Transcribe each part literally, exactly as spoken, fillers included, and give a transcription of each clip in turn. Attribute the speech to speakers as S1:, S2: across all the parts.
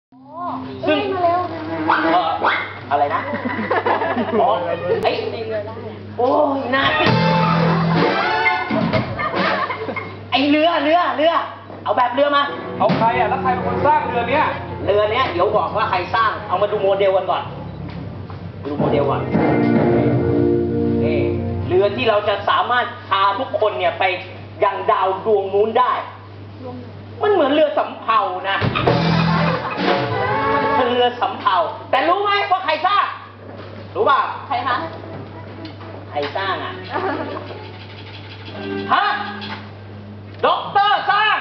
S1: ซึ่งมาเร็วเอออะไรนะอ๋อไอ้โอ้ยนายไอเรือเรือเรือเอาแบบเรือมา
S2: เอาใครอ่ะแล้วใครเป็นคนสร้างเรือเนี้ย
S1: เรือเนี้ยเดี๋ยวบอกว่าใครสร้างเอามาดูโมเดลกันก่อนดูโมเดลก่อนนี่เรือที่เราจะสามารถพาทุกคนเนี่ยไปยังดาวดวงนู้นได้มันเหมือนเรือสำเภานะมันเป็นเรือสำเภาแต่รู้ไหมว่าใครสร้างรู้ป่ะ
S3: ใครคะ
S1: ใครสร้างอ่ะฮะด็อกเตอร์สร้าง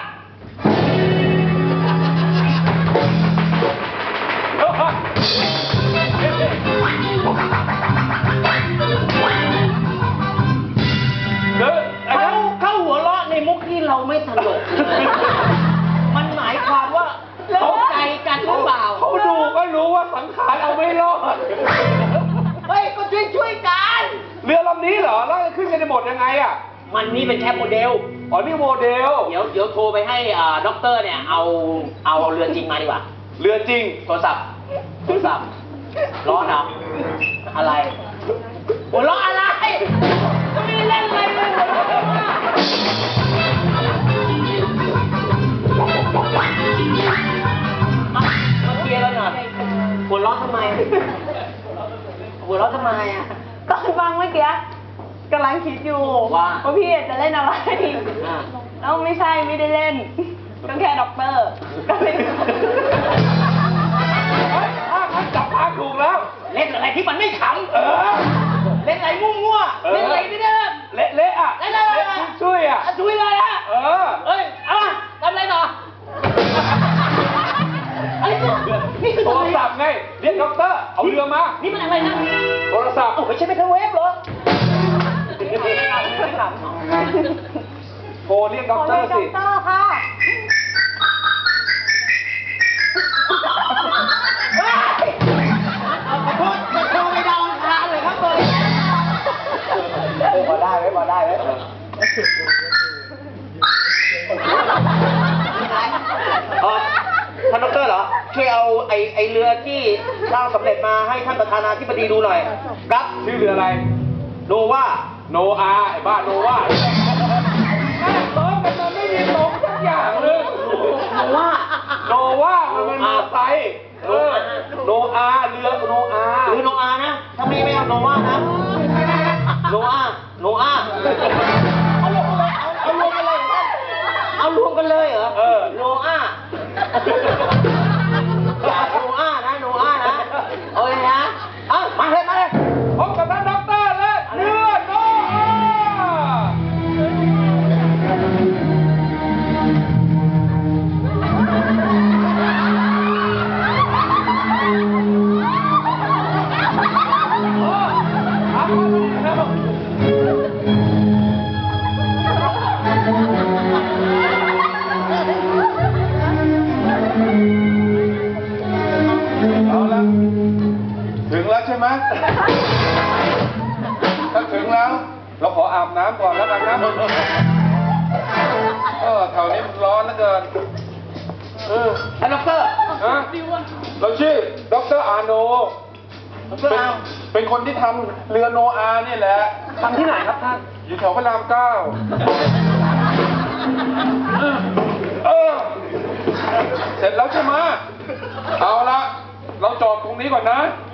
S1: เขาเขาหัวเราะในมุกที่เราไม่ตลกมันหมายความว่าเข้าใจกันหรือเปล่า
S2: เขาดูก็รู้ว่าสังขารเอาไม่รอด
S1: เฮ้ยก็ช่วยช่วยกัน
S2: เรือลำนี้เหรอแล้วขึ้นกันในหมดยังไงอ่ะ
S1: มันนี่เป็นแค่โมเดล
S2: อ๋อนี่โมเดล
S1: เดี๋ยวเดี๋ยวโทรไปให้อ่าด็อกเตอร์เนี่ยเอาเอาเรือจริงมาดีกว่า
S2: เรือจริง
S1: โทรศัพท์โทรศัพท์ร้อนเหรออะไรหัวเราะอะไรก็ไม่ได้เล่นอะไรเลยหัวเราะมามาเคลียร์กันหน่อยหัวเราะทำไมหัวเราะทำไมอ่ะ
S3: ตอนฟังเมื่อกี้กำลังคิดอยู่ว่าพี่จะเล่นอะไรแล้วไม่ใช่ไม่ได้เล่นก็แค่ด็อกเตอร์ก็เล่น
S2: เฮ้ยถ้าจับทางถูกแล้ว
S1: เล่นอะไรที่มันไม่ขำเออเล่นอะไรมั่วๆเล่นอะไรไม่ได้
S2: เละเละอ่ะ
S1: เล่นอะไร
S2: ช่วยอ่ะ
S1: ช่วยเลยอ่ะ
S2: เออ
S1: เอ้ยเอามาทำอะไรต่ออะไรเนี่ยนี่คือ
S2: โทรศัพท์ไงเรียกด็อกเตอร์เอาเรือมา
S1: นี่มันอะไรนะ
S2: โทรศัพท์
S1: โอ้ไม่ใช่ไมโครเวฟเหรอ
S2: โทรเรียกด็อกเตอร์สิ
S3: ด็อกเตอร์ค่ะ
S1: ขอโทษจะโทรไปดาวอังคารเลยครับเลยพอได้ไหมพอได้ไหมเออท่านดรเหรอช่วยเอาไอไอเรือที่สร้างสำเร็จมาให้ท่านประธานาธิบดีดูหน่อยครับ
S2: ชื่อเรืออะไร
S1: โนวา
S2: โนอาไอ้บ้าโนวาร้องกันมันไม่มีตรงสักอย่างเลย
S1: โนวา
S2: โนวามันเป็นมาไซเออโนอาเรือโนอา
S1: หรือโนอานะถ้าไม่ไม่เอาโนวานะโนอาโนอาเอารวมกันเลยเอารวมกันเลยเอารวมกันเลยเหรอ
S2: เออ
S1: โนอาอย่าโนอานะโนอานะโอเคนะเอ้ามาเลยมาเลย
S2: พบกับท่านด็อกเตอร์และเรือโนอาเอาละถึงแล้วใช่ไหมถ้าถึงแล้วเราขออาบน้ำก่อนแล้วกันนะเออแถวนี้มันร้อนเหลือเกิน
S1: เออท่านด็อกเตอร์
S2: ฮะเราชื่อด็อกเตอร์อาโนเป็นเป็นคนที่ทำเรือโนอานี่แหละ
S1: ทำที่ไหนครับท่าน
S2: อยู่แถวพระรามเก้าเออเสร็จแล้วใช่ไหมเอาละเราจอดตรงนี้ก่อนนะ